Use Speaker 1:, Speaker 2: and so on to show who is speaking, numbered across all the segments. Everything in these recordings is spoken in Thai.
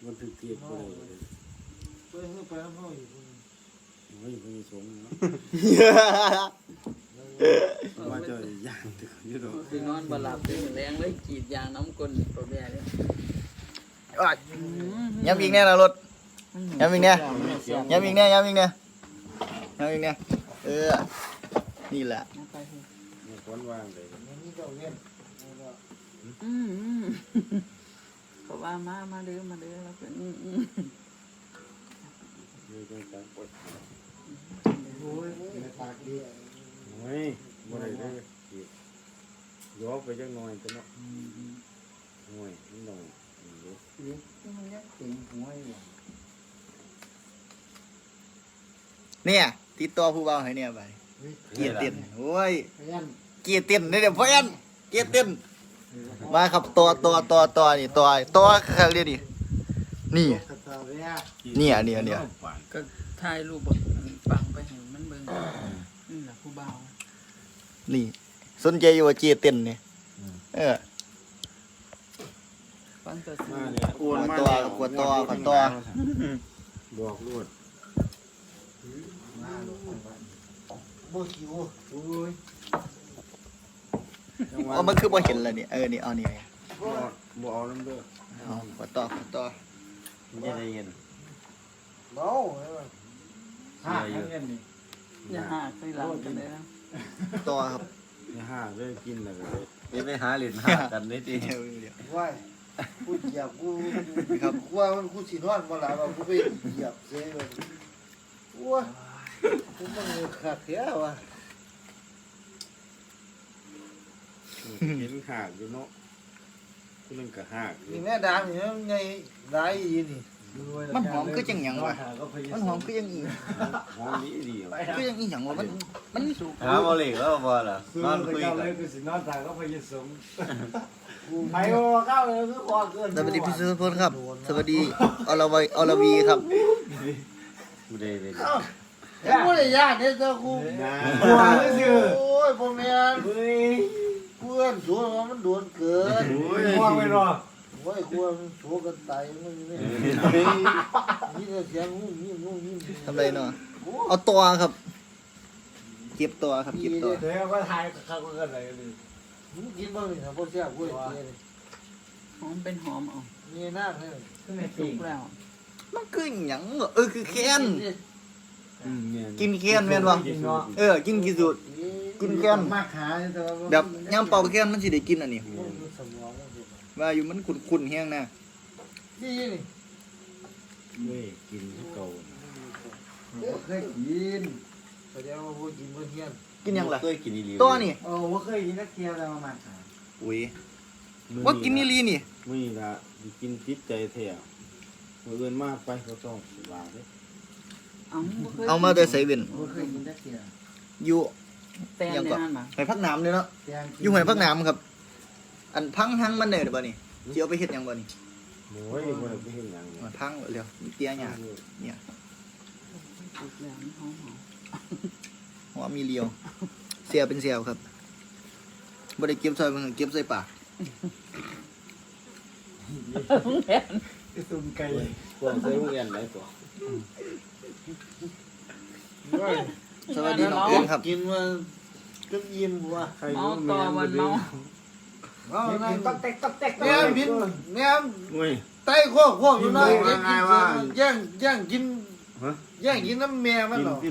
Speaker 1: มันถึงเทียบก็เลยไปให้ไปห้องอีกเฮ้ยมีสมเนาะว่าจะย่างถึงยุโรป
Speaker 2: คือนอนบหลับตื่นแรงเลยกีดยางน้ำก้นตัวแม่เนี่ย
Speaker 3: ย้ำอีกแน่นะรถย้ำอีกแน่ย้ำอีกแน่ย้ำอีกแน่ย้ำอีกแน่นี่แหละ
Speaker 1: มีคนวางเลย
Speaker 2: เขาว่ามาเด้อแล้วเป็น
Speaker 1: มีจังการปวดโอ้ยปากดีโอ้ยบ่ได้เลยย้อไปจังหน่อยจะเนาะโอ้ยนิดหน่อย
Speaker 3: เนี่ยติดต่อผู้บ่าวให้เนี่ยไปเกียร์เต้นโอ้ยเกียร์เต้นนี่เดี๋ยวพ่อยันเกียร์เต้นมาครับตัวนี่ตัวเขาเรียกดินี่เนี่ย
Speaker 2: ก็ถ่ายรูปปังไปเห็นมันเบิ่งนี่แหละผู้บ่าว
Speaker 3: นี่สนใจอยู่ว่าเกียร์เต้นนี่
Speaker 2: ฟังตัวสิ
Speaker 1: อ้วนมาก
Speaker 3: กวดตัว
Speaker 1: บอกรวด
Speaker 3: มันคือบ่เห็นแล้วนี่นี่เอานี่
Speaker 1: บ่เอาน้ำเด้อ
Speaker 3: เอากวดตัว
Speaker 1: มันจะได้เย็น
Speaker 2: เมาอย่าหาใส่หลังกันเลยนะ
Speaker 3: ตัวครับ
Speaker 1: อย่าหาเรื่องกินเลย
Speaker 4: นี่ไปหาเหรียญหากันนี่ดิ
Speaker 5: ว่าพูดเหยียบกูครับว่ามันกูสินอนมาหลายว่ากูไปเหยียบเสียเลยว้ากูมันขาดแค่ว่ะ
Speaker 1: เห็นหากอยู่เนาะกูนึงก็หาก
Speaker 5: นี่แม่ดามนี่ไงได้ยีนี่
Speaker 3: มันหอมคือจังหยังวะมันหอมคือจังอี
Speaker 1: หอมนี้ดี
Speaker 3: คือจังอีหยังวะมัน
Speaker 4: สุกหาบ่เหล็กแล้วบ่ล่ะนอนคุยกัน
Speaker 1: กูสินอนทางก็พยสม
Speaker 5: ไปโอ้ก้าวเลยคือคอเกิน
Speaker 3: สวัสดีพี่สุพลครับสวัสดีอรวีครับ
Speaker 4: กูได้เลย
Speaker 5: กูได้ยากเนี่ยเจ้ากูโอ้ยพ่อแม่เพื่อนสวนมันโดนเกิน
Speaker 1: ว่างไม่รอ
Speaker 5: โอ้ยควรโชว์กันตายมันนี่นี่เสียงงูนี่
Speaker 3: ทำไรเนาะเอาตัวครับเก็บตัวครับเก็บตัว
Speaker 1: เดี๋ยวก็ทายข้าวกันอะไรเลย
Speaker 5: มึงกินบ้างนี่ครับพ่อเสียกูเลย
Speaker 2: หอมเป็นหอมเอา
Speaker 5: นี่น่าเลย
Speaker 2: สุกแล้ว
Speaker 3: มันคือหยังคือแค้นกินแค้นแม่นบ่กินกี่สุดกินแค้น
Speaker 5: มากขา
Speaker 3: แบบยามเป่าแค้นมันสิได้กินอันนี้ว่าอยู่มันขุ่นๆแห้งนะ
Speaker 5: นี่
Speaker 1: เว้ยกินเก่า
Speaker 5: เคยกินแสดงว่าพูดกินเพื่อนเฮียน
Speaker 3: กินยังล่ะ
Speaker 4: เคยกินอีหลี
Speaker 3: ตัวนี่
Speaker 5: ว่าเคยกินนักเที่ยวแต่มาขา
Speaker 3: อุ้ยว่ากินนี่ลีนี่
Speaker 1: มึงละกินจิตใจแท้เงินมากไปก็ต้องวางเลย
Speaker 3: เอามาแต่ใส่เว้น
Speaker 5: เคยกินนักเที่ยว
Speaker 3: อยู่
Speaker 2: แตงในนั้นมา
Speaker 3: หอยพักน้ำเนี่ยเนาะอยู่หอยพักน้ำครับอันพังหังมันเนี่ยบ่นี่เจียวไปเฮ็ดยังบ่นี่
Speaker 1: โอ้ยบ่ได้ไปเฮ็ดหยัง
Speaker 3: มันพังเร็วมีเตี้ยหยาเนี่ยหัวมีเลียวเสียเป็นเสียวครับบ่ได้เก็บใส่มันเก็บใส่ปาก
Speaker 1: ตุ่มไก่กวางใส่โรงเรียนไหนตัว
Speaker 3: สวัสดีน้องเอิญครับ
Speaker 5: กินมาก็ยิ้มว่ะ
Speaker 2: เมาต่อวันเมา
Speaker 5: กินตักเต็กแม่บินแม่ไต้ข้ออยู่น้อยแย่งกินน้ำแม่มันหรอ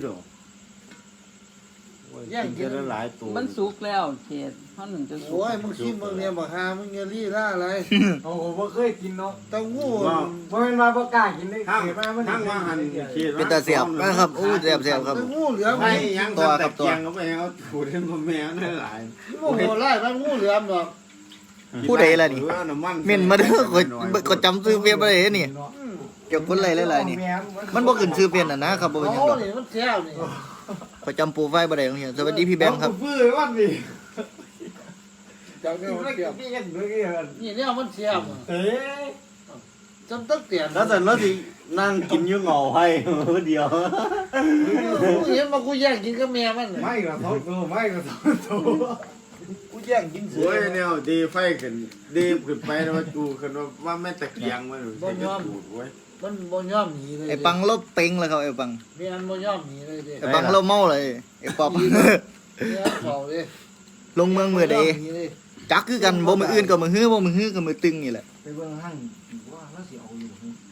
Speaker 1: แย่งกินหลายตัว
Speaker 2: มันสุกแล้วเขตเพราะหนึ่งจะสุก
Speaker 5: โอ้ยมึงกินมึงเนี่ยบอกหามึงเงี้ยรี่ล่าอะไร
Speaker 1: โอ้โหบ่เคยกินเนาะ
Speaker 5: เต้าหู้
Speaker 1: บ่เป็นมาบ่กล้ากินเลยเกิดมามันทั้งว่าหัน
Speaker 3: เป็นตาเสียบนะครับอู้เสียบครับ
Speaker 5: เต้าหู้เหลือม
Speaker 1: ไอ้ยังตัวกับตัวก็ไปเอาขูดให้มันแมวนั่นหลาย
Speaker 5: โอ้โหไล่มันงูเหลือมหรอก
Speaker 3: ผู้ใดล่ะนี่เม่นมาเด้อก็จำซื้อเพียนบ่ได้นี่เกี่ยวคนหลายๆนี่มันบ่ขึ้นชื่อเพียนน่ะนะครับบ่เป็นหยังดอก
Speaker 5: มันแซ่บนี่
Speaker 3: ก็จำโปรไฟล์บ่ได้ของเฮียสวัสดีพี่แบงค์ครับ
Speaker 1: ฟื้นวันนี้
Speaker 5: จังเนี่ยมันแซ่บนี่เนี่ยมันแซ่บจำตั้งเตียน
Speaker 4: แล้วแต่เราสินั่งกินอยู่เหงาให้เดียว
Speaker 5: กูเห็นมากูแย่งกินกับแม่มัน
Speaker 1: ไม่ก็ท้องโตไม่ก็ท้องโต
Speaker 5: กูแย่งกินเสื
Speaker 1: โอ้ยแนวดีไฟขึ้นดีขึ้นไปแล้วว่าจูขึ้นว่าแม่ตะเกียงมันจะจูดไว้
Speaker 5: มันบ่ยอมหนีเลย
Speaker 3: ไอ้ปังลบเป่งแล้วครับไอ้ปัง
Speaker 5: ไม่อันบ่ยอมหนีเลยเด้
Speaker 3: ไอ้ปังลบเมาเลยไอ้ป๊อป
Speaker 5: ไม่อันเฝ้าเลย
Speaker 3: ลงเมืองมือใด
Speaker 5: หนีเลย
Speaker 3: จักคือกันบ่มืออื่นก็มือฮื้อบ่มือฮื้อก็มือตึงนี่แหละ
Speaker 5: ไปเบิ่งห้างว่าแล้วสิเอาอยู่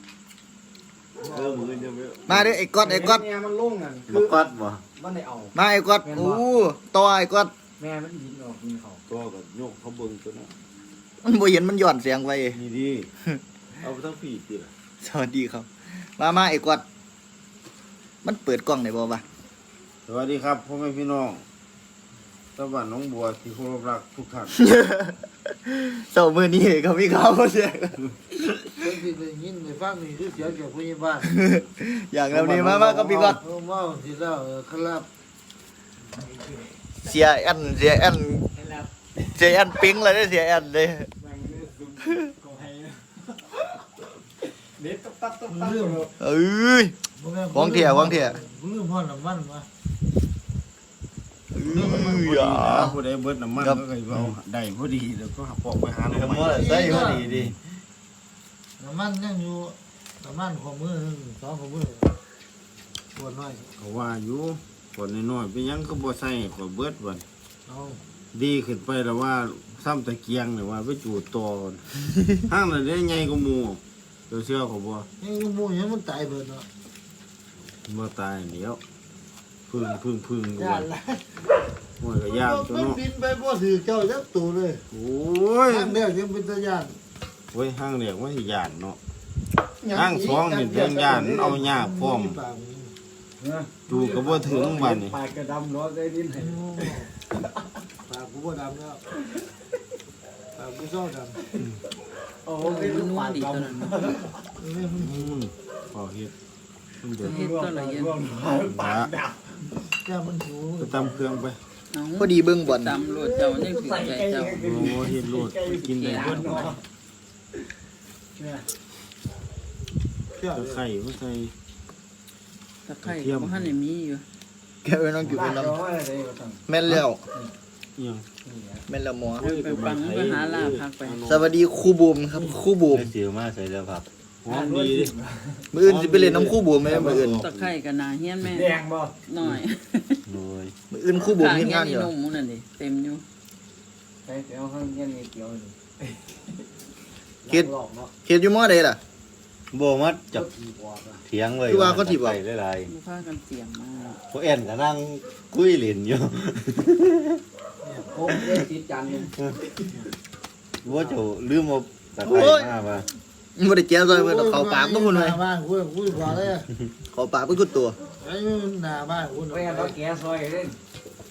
Speaker 1: มือจะไม่
Speaker 3: มาเด้อไอ้ก๊อดไอ้ก๊อด
Speaker 5: แม่มันลงอ่ะ
Speaker 4: บ่กอดบ่
Speaker 5: มันได้เอา
Speaker 3: มาไอ้ก๊อดโอ้ต่อไอ้ก๊อด
Speaker 5: แม่มันยิงออกยิงเขา
Speaker 1: ตัวกับโยกเขาเบิ่งตัวนั้น
Speaker 3: มันบ่เห็นมันย้อนเสียงไป
Speaker 1: นี่ดีเอาไปทั้งปีติล่ะ
Speaker 3: สวัสดีครับมาไอ้ก๊อดมันเปิดกล้องได้บ่วะ
Speaker 1: สวัสดีครับพ่อแม่พี่น้องตะวันน้องบัวที่เคารพรักทุกท่าน
Speaker 3: เช้ามื้อนี้เขามีข่าวเสียง
Speaker 5: เพิ่นสิได้ยินได้ฟังนี่คือเสียงจากผู้ใหญ่บ้าน
Speaker 3: อย่างเรานี้มากับพี่ก๊อด
Speaker 5: เมาสิแล้วครับ
Speaker 3: เสียแอนเสียแอนเสียแอนปิ๊งเลยเด้อเสียแอนเลย
Speaker 5: เด็ดตับเรื่อง
Speaker 3: เอ้ย วางเถี่ย
Speaker 5: ลืมพ่อน้ำมันมา
Speaker 3: อย่า
Speaker 1: ผู้ใดเบิดน้ำมันก็เคยเอาได้พอดีแล้วก็ปอกไปหา
Speaker 4: เดี๋ยว
Speaker 1: น้ำ
Speaker 4: มื้
Speaker 1: มั
Speaker 4: อน ใส่พอดีดิ
Speaker 5: น้ำมันยังอยู่น้ำมันข้อมือสองข้อมือปวดน้อย
Speaker 1: เขาว่าอยู่คนน้อยๆไปยังก็บ่ใส่ก็เบิดวัน
Speaker 5: เอา
Speaker 1: ดีขึ้นไปแล้วว่าซ้ำตะเกียงเนี่ยว่าไปจูดต่อก่อน ห้างนั้นได้ไงก็หมู่เดี๋ยวเชื่อเขาบ่
Speaker 5: ยังอยู่หมู่ยังมันตายเบิดเนาะ
Speaker 1: บ่ตายเดี๋ยวพึ่งดู
Speaker 5: ย่านละ
Speaker 1: โอ้ยก็ยากตัว
Speaker 5: มัน
Speaker 1: เนาะ
Speaker 5: บินไปบ่ถือเจ้าจักตัวเลย
Speaker 1: โอ้ย
Speaker 5: ทางเดียวยังเป็นตะย่าน
Speaker 1: โอ้ยห้างเรียกว่าสิย่านเนาะ ห้างสองนี่เรื่องย่านเอายากพร้อม จูก็บ่ถึงบัดนี้
Speaker 5: ปากกระดำเนาะได้ดินให้ปากกูบ่ดำแล้วปากกูซ้อดำ
Speaker 2: โอ้มันนัวดีตัวนั้น
Speaker 1: พอเฮ็ดมันเดือด
Speaker 2: เฮ็ดตัวละเย็น
Speaker 1: ละ
Speaker 5: แก้มันหิว
Speaker 1: ไปตำเครื่องไป
Speaker 2: เอา
Speaker 3: พอดีเบิ่งบ่อน
Speaker 2: ตำรวจเจ้ายังถือใจเจ้า
Speaker 1: โอ้เฮ็ดโลดไปกินได้เบิด
Speaker 5: เจ้า
Speaker 1: ตะไคร้บ่ใส่
Speaker 2: ตะไคร้ก็บ่ทันได้มีอยู่
Speaker 3: แกไปน้องกินไปน้ำแม่นแล้ว
Speaker 1: อิหยัง
Speaker 3: แม่นแล้วหมอ
Speaker 2: ไปฟังไปหาลาพักไป
Speaker 3: สวัสดีครูบูมครับครูบูม
Speaker 4: ได้สิวมาใส่แล้วครับ
Speaker 1: หอมดีดิ
Speaker 3: มื้ออื่นสิไปเล่นน้ำครูบูมไหมมื้ออื่น
Speaker 2: ตะไคร้ก็น่าเฮียนแม่
Speaker 5: แดงบ่
Speaker 2: หน่อย
Speaker 4: โดย
Speaker 3: มื้ออื่นครูบูม
Speaker 2: ข้าง
Speaker 3: เฮ็ด
Speaker 2: เฮีย
Speaker 3: งาน นอ
Speaker 2: นี่
Speaker 3: ยู่
Speaker 2: นมหมูนั่นดิเต็มอยู่
Speaker 5: ใส่เดี๋ยวข้างเงี้ยนี่เกี่ยวนี่
Speaker 3: เฮ็ดเฮ็ดอยู่มอใดล่ะ
Speaker 4: บ่มัดจับ
Speaker 5: กี่ปอดอ่ะ
Speaker 4: เถียงไว้
Speaker 3: คือว่าเขาสิบอก
Speaker 4: ใส่หลาย
Speaker 2: บ่พากันเสียงมา
Speaker 4: ๆพวกแอนก็นั่งคุยเล่นอยู่
Speaker 5: โอ้ยติดจันนึง
Speaker 4: ว่าเจ้าลืมเอาตะไคร้มาป่ะ
Speaker 3: บ่ได้แก้ซอยเพิ่นเอาเข้าปากบ่คุณ
Speaker 5: ห
Speaker 3: ไว้
Speaker 5: น้าบ้านกูกว่าเลย
Speaker 3: เข้าปากเพิ่นคือตัว
Speaker 5: ไอ้หน้าบ้านกู
Speaker 6: ไปกันเราแกซอยเล่น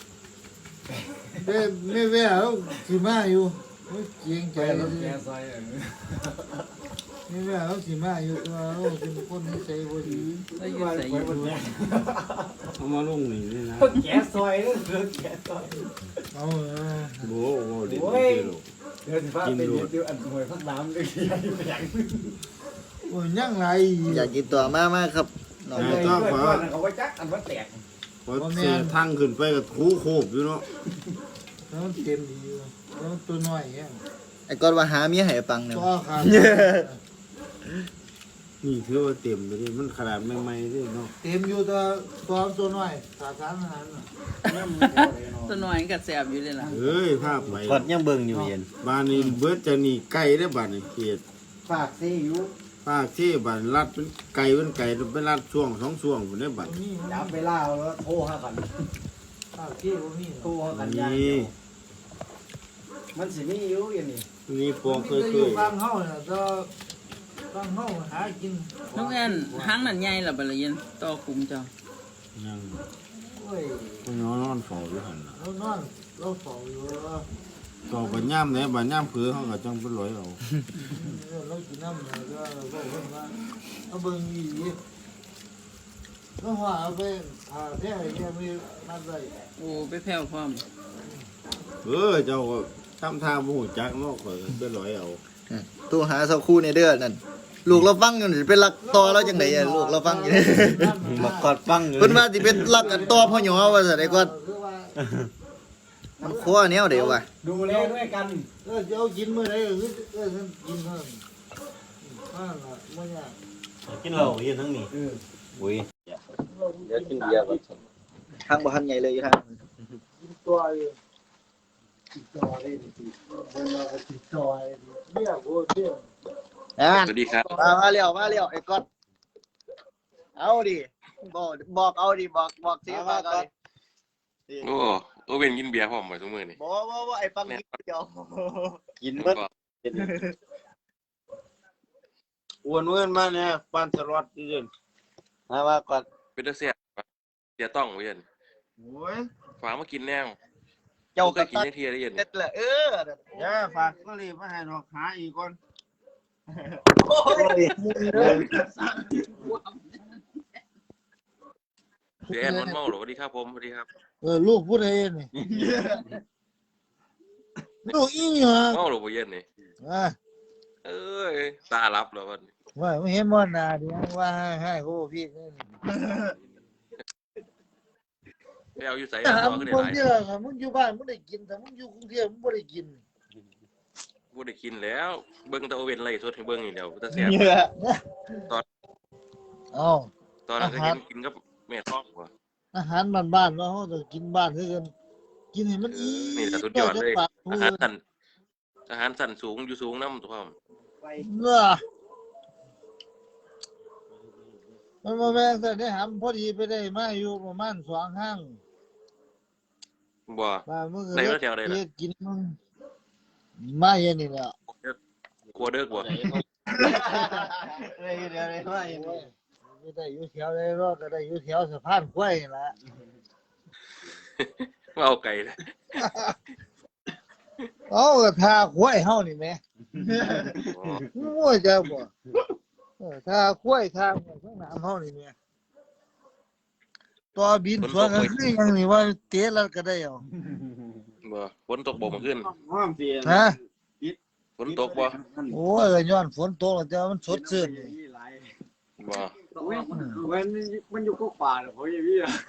Speaker 5: ไม่แว่แล้วสิมาอยู่เกียงใจ
Speaker 6: ไป
Speaker 5: แล้
Speaker 6: เรา
Speaker 5: ว
Speaker 6: แกซอย
Speaker 5: ไม่แว่แล้วสิมาอยู่ตัวเราเป็นคนนิสัยบ่
Speaker 2: อื
Speaker 5: ดี
Speaker 2: มแล้วอยู่ใส่อยู่
Speaker 1: เอามาลงนี่ด้วยนะ
Speaker 6: แกซอยเล่นแกซอย
Speaker 5: เอา
Speaker 1: โอ้โหเด็ด
Speaker 6: โอ้
Speaker 1: เด็
Speaker 6: ย
Speaker 1: ด
Speaker 6: เดี๋ยวสิพาไปเดี๋ยวอันหวยพักน้ำเลยอย่าง
Speaker 5: โอ้ยยังไง
Speaker 3: อยากกินตัวมาครับน้อง
Speaker 6: เพื่อนเขาก็จักอันว่าแตก
Speaker 1: พอเสียทางขึ้นไปก็ถูโคบอยู่เนาะ
Speaker 5: แล้วมันเต็มดีอยู่แล้วตัวน้อยแฮง
Speaker 3: ไอ้ก๊อดว่าหาเมียให้ไอ้ปังเนี่ย
Speaker 5: ตัวขาด
Speaker 1: นี่ถือว่าเต็มเลยดิมันขนาดใหม่ๆด้วยเนาะ
Speaker 5: เต็มอยู่ตัวน้อยขาดสารอาหารน่ะ
Speaker 2: ตัวน้อยก็แซ่บอยู่เลยล่ะ
Speaker 1: เอ้ยภาพไหม
Speaker 4: กอดยังเบิ่งอยู่เย็น
Speaker 1: บ้านนี้เบิดจะนี่ไก่ได้อบ้านนี้เกียด
Speaker 5: ฝากซีอยู่
Speaker 1: ภาคที่บ้านรัดเป็นไก่เป็นรัดช่วง2ช่วงพุ่นได้อบัด
Speaker 5: นี่
Speaker 6: จับไปล่าแล้วโทรหากัน
Speaker 5: ฝากซีบ่มี
Speaker 6: โทรหากันยา
Speaker 1: นี่
Speaker 6: มันสิมีอยู่อย่างนี้
Speaker 1: นี่ปอกเค
Speaker 5: จะอยู่
Speaker 1: ย
Speaker 5: ฟังเฮาน่ะก็ฟังเฮาหากิน
Speaker 2: น้องแอนหางนั่นใหญ่ล่ะบัดละเย็นต่อคุมเจ้า
Speaker 1: ๆยัง
Speaker 5: โอ้ย
Speaker 1: ก็นอนเฝ้าอยู่หั่นน่ะ
Speaker 5: เรานอนเราเฝ้าอยู่ว่า
Speaker 1: ต่อบัดย่ามไหนบัดย่ามเผือเขาก็จังเป็นร้อยเอา
Speaker 5: เรากินน้ำเนี่ยก็เราบอกว่าเอาเบิ่งอีกแล้วว่าเอาไปผ่าแท้เนี่ยมีมาได้
Speaker 2: โอ้ไปแผ่วพร้อม
Speaker 1: เจ้าก็ทำท่าบ่ฮู้จักเนาะก็เป็นร้อยเอา
Speaker 3: ตัวหาสักครู่ในเด้อนั่นลูกเราฟังอยู่สิเป็นรักต่อแล้วจังได๋ลูกเราฟังอยู่
Speaker 4: มากอดฟังอยู่
Speaker 3: เพิ่นว่าสิเป็นรักกันต่อพ่อหยอว่าซั่นไอ้ก๊อด
Speaker 5: คือว่า
Speaker 3: มันคั่วแนวเดียวว่ะ
Speaker 6: ดูแลด้วยกัน
Speaker 5: จะเอากินมื้อใดก็คือฉันกินเท่านั้นล่ะบ่ยาก
Speaker 4: กินเหล้าอยู่ทั้งนี้อุ้ย
Speaker 1: เดี๋ยวกินเบียร์ก่อน
Speaker 3: ทางบ่ทันใหญ่เลยอยู่ทาง
Speaker 5: กินตัวอยู่ติดต่อได้ดิเราก็ติดต่อได้ดิเนี่ยโอ้เนี่ย
Speaker 1: สวัสดีครับ
Speaker 3: มาเร็วไอ้ก๊อตเอาดิบอกเอาดิบอกสิมาก่อน
Speaker 7: โอ้เป็นกินเบียร์พร้อมไปทุกมื้อนี่
Speaker 3: บ่ไอ้ปังนิดเดียว
Speaker 1: กินเบิดอ้วนเงินมาเนี่ยปันสล็อตยืนมาว่าก่อน
Speaker 7: เป็นตาแซ่บเสียต้องเว้ย
Speaker 1: โอ้ย
Speaker 7: ฝากมากินแนว
Speaker 3: เจ้า
Speaker 7: เค
Speaker 3: ก็
Speaker 7: ยกิน
Speaker 3: ตัด
Speaker 7: จังเที่ยได้ยิน
Speaker 3: เด็ดเลย
Speaker 1: อย่าฝากก็รีบมาให้ดอกหาอีกก่อน
Speaker 7: เดี๋ยวแอนมันเมาเหรอสวัสดีครับผมสวัสดีครับ
Speaker 5: ลูกพูดเองนี่ลูกอีหยัง
Speaker 7: เมาเหรอบ่เย็นนี่ เอ้ยตาลับแล้ววันนี้
Speaker 5: ว่าไม่เห็นมันนาดิว่าให้โอ้พี่นี่
Speaker 7: ไปเอาอยู่ไส
Speaker 5: ถา
Speaker 7: เอา
Speaker 5: ม
Speaker 7: ขึ้นได้
Speaker 5: คน
Speaker 7: หลาย
Speaker 5: เดียวครับมึงอยู่บ้านมึงได้กินแต่มึงอยู่กรุงเทพมึงบ่ได้กิน
Speaker 7: บ่ได้กินแล้วเบิ่งแต่โอเว่นไล่สดให้เบิ่งนี่เดียวตาแซ่บ
Speaker 5: เอ้า
Speaker 7: ตอนนั้นก็เห็นกินกับแม่ท้องบ่
Speaker 5: อาหารบ้านๆเนาะเฮาต้องกินบ้านคือกันกินให้มันอี
Speaker 7: นี่แหละสุดยอดเลยอาหารสั้นสูงอยู่สูงนำตัวพร้อม
Speaker 5: เนาะมันบ่แม่นแต่ได้หำพอดีไปได้มาอยู่ประมาณ2ห้าง
Speaker 7: บ่
Speaker 5: ว่ามึงก็
Speaker 7: ได้มาแถวใดล่ะ
Speaker 5: กินมึงมาเย็นนี่แหละ
Speaker 7: กลัวเด้อบ่
Speaker 3: เดี๋ยวว่าอย่างนี้
Speaker 5: ไม่ได้อยู่แถวใดรอดก็ได้อยู่แถวสะพานกล้วยนี่ล่ะ
Speaker 7: เอาไก่เลย
Speaker 5: เอาก็ทาควายเฮานี่แหม่มั่วจะบ่ทาควายทาข้างหน้าเฮานี่แหม่ตัวบินสวนก็คือหยังนี่ว่าเตะแล้วก็ได้เอา
Speaker 7: บ่ฝนตกบ่เมื่อคืน
Speaker 1: ห้อมเสีย
Speaker 5: ฮะ
Speaker 7: ฝนตกบ่
Speaker 5: โอ้ยก็ย้อนฝนตกแล้วแต่ว่ามันสดชื่นนี่
Speaker 7: บ่
Speaker 6: มันอยู่ก็ป่าเลยเขาอย่างนี้อ่ะ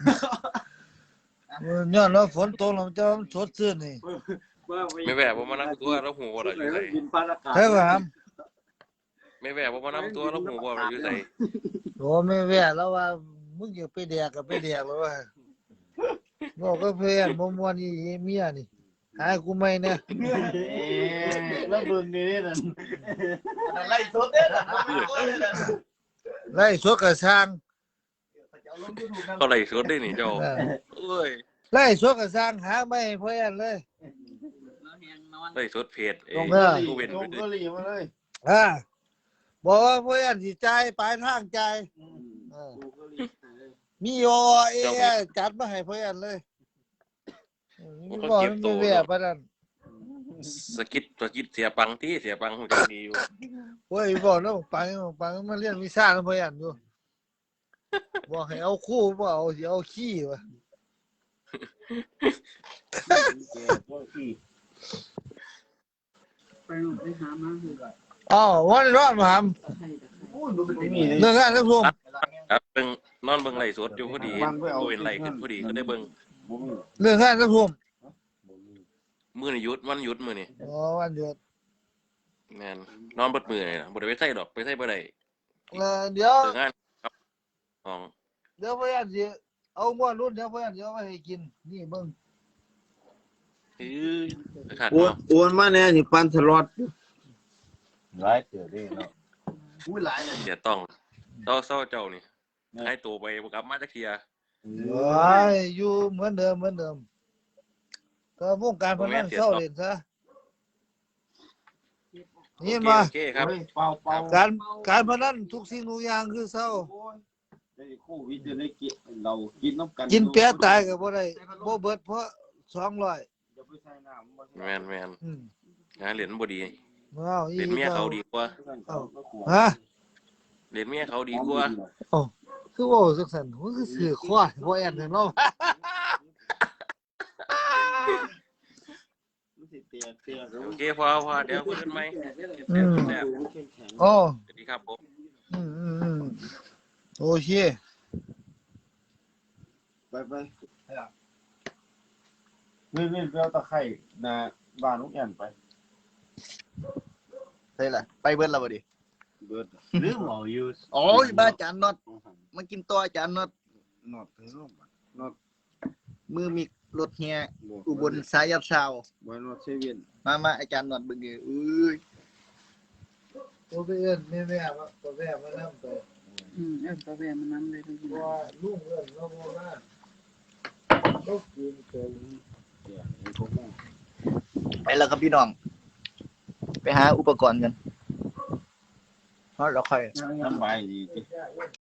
Speaker 5: ย้อนแล้วฝนตกแล้วแต่ว่ามันสดชื่นนี่
Speaker 7: ไม่แวะบ่มานํตัวแล้วหูบ่ล่ะอยู่ไส
Speaker 6: บินปานอากาศ
Speaker 5: ใช่ป่ะครับ
Speaker 7: ไม่แวะบ่มานํตัวแล้วหูบ่ล่ะอยู่ไส
Speaker 5: โอ้ไม่แว่แล้วว่ามึงอยากไปแดกก็ไปแดกแล้วว่าบอกก็เพื่อนบ่ม่วนอีเมียนี่หากูไม่เนี่ย
Speaker 1: แล้วเบิ่งนี่นั่น
Speaker 3: ไล่สดเด้อ
Speaker 5: ไล่สวดกระช่าง
Speaker 7: เขาไล่สดได้นี่เจ้าเอ้ย
Speaker 5: ไล่สวดกระช่างหาไม่ให้เพื่อนเลย
Speaker 2: แล้วแหงนอน
Speaker 7: ไล่สดเพจเอ้
Speaker 5: ล
Speaker 7: ย
Speaker 5: งเด้อ
Speaker 7: กูเว้น
Speaker 1: ล
Speaker 7: ไป
Speaker 1: ง
Speaker 7: ด้
Speaker 1: ก็
Speaker 7: วย
Speaker 1: รีมาเลย
Speaker 5: บอกว่าเพื่อนสิจ่ายปลายทางจ่ายมีโอเอจัดมาให้เพื่อนเลยมีบอกมันมีแว่ปานนั้น
Speaker 7: สกิดเสียปังที่เสียปังฮู้จักดีอยู่
Speaker 5: โอ้ยบอกแล้วปังมาเรียนวิชาแล้วเพื่อนอยู่บอกให้เอาคู่บ่เอาสิเอาขี้วะ
Speaker 2: ไปลูกไปหามาคือแบบ
Speaker 5: อ๋อวันร้อนมาห
Speaker 2: ตะไคร้
Speaker 1: มี
Speaker 5: ำเรื่องงานเรื่องรวม
Speaker 7: ครับเบิ่งนอนเบิ่งไล่สดอยู่พอดีกูเว้นไล่ขึ้นพอดีก็ได้เบิ่ง
Speaker 5: เรื่องงานเรื่องรวม
Speaker 7: มื้อนี้หยุดวันหยุดมื้อนี้
Speaker 5: อ๋อวันหยุด
Speaker 7: แม่นนอนเบิดมื้อนี่ล่ะบ่ได้ไปไสดอกไปไสบ่ได้
Speaker 5: เดี๋ยว
Speaker 7: เลิกงานครับห้อง
Speaker 5: เดี๋ยวเพื่อนสิเอาม้วนรุ่นเดี๋ยวเพื่อนสิเอาไว้ให้กินนี่เบิ่ง
Speaker 7: เอ้ยขาด
Speaker 1: อ้วน
Speaker 7: เนาะ
Speaker 1: อ้วนมาเนี่ยนี่ปันสล็อต
Speaker 4: หลายเสือได้เนาะ
Speaker 1: อุ้ยหลาย
Speaker 7: เสียต้องเศร้าเจ้านี่ให้ตัวไปบ่กลับมาจักเที่ย
Speaker 5: โอ้ยอยู่เหมือนเดิมก็วงการพนันเศร้าเล่นซะนี่มา
Speaker 7: โอเคครับ
Speaker 1: เปล่าเปล่า
Speaker 5: การพนันทุกสิ่งทุกอย่างคือเศร้า
Speaker 1: ได้โควิดได้กินเรากินน้ำกัน
Speaker 5: กินแปะตายก็บ่ได้บ่เบิดเพราะ200
Speaker 1: อย่าไปใส่น้ำ
Speaker 7: แม่น
Speaker 5: อืม
Speaker 7: งานเหรียญบ่ดี
Speaker 5: เอาอี
Speaker 7: เหรียญเมียเขาดีกว่า
Speaker 5: ฮะ
Speaker 7: เหรียญเมียเขาดีกว่า
Speaker 5: คือเว่าจังซั่นมันคือสื่อควายบ่แอนเนาะ
Speaker 7: โอเคพอเดี๋ยวคุยกันใหม่
Speaker 5: โอ้
Speaker 7: สวัสดีครับผม
Speaker 5: อืมโอเค
Speaker 1: ไปนี่ไปเอาตะไคร่นาบ้านลูกแอนไป
Speaker 3: ใช่ล่ะไปเบิดแล้วบ่ดิ
Speaker 1: เบิด
Speaker 4: ลืมเอาอยู่
Speaker 3: โอ้ยบ้าอาจารย์น็อตมากินตัวอาจารย์น็อต
Speaker 1: นอดถึงลงนอด
Speaker 3: มือมีรถเฮีย
Speaker 1: บ่
Speaker 3: อุบลสายยับเช้า
Speaker 1: บ่นอดเซเว่น
Speaker 3: มาอาจารย์น็อตเบิ่งเอ้ย
Speaker 5: ตัวไปเอิ้นแม่ๆว่าตัวแม่มานำไป
Speaker 2: เอิ้นตัวแม่มันนำเลยทุก
Speaker 5: เพราะว่าลุงเอิ้นเราบ่มาก็กินเต็ม
Speaker 1: เดี๋ยวให้พวกมึง
Speaker 3: ไปแล้วครับพี่น้อง ไปหาอุปกรณ์กันเพราะเราค่อย
Speaker 1: สบายดีติ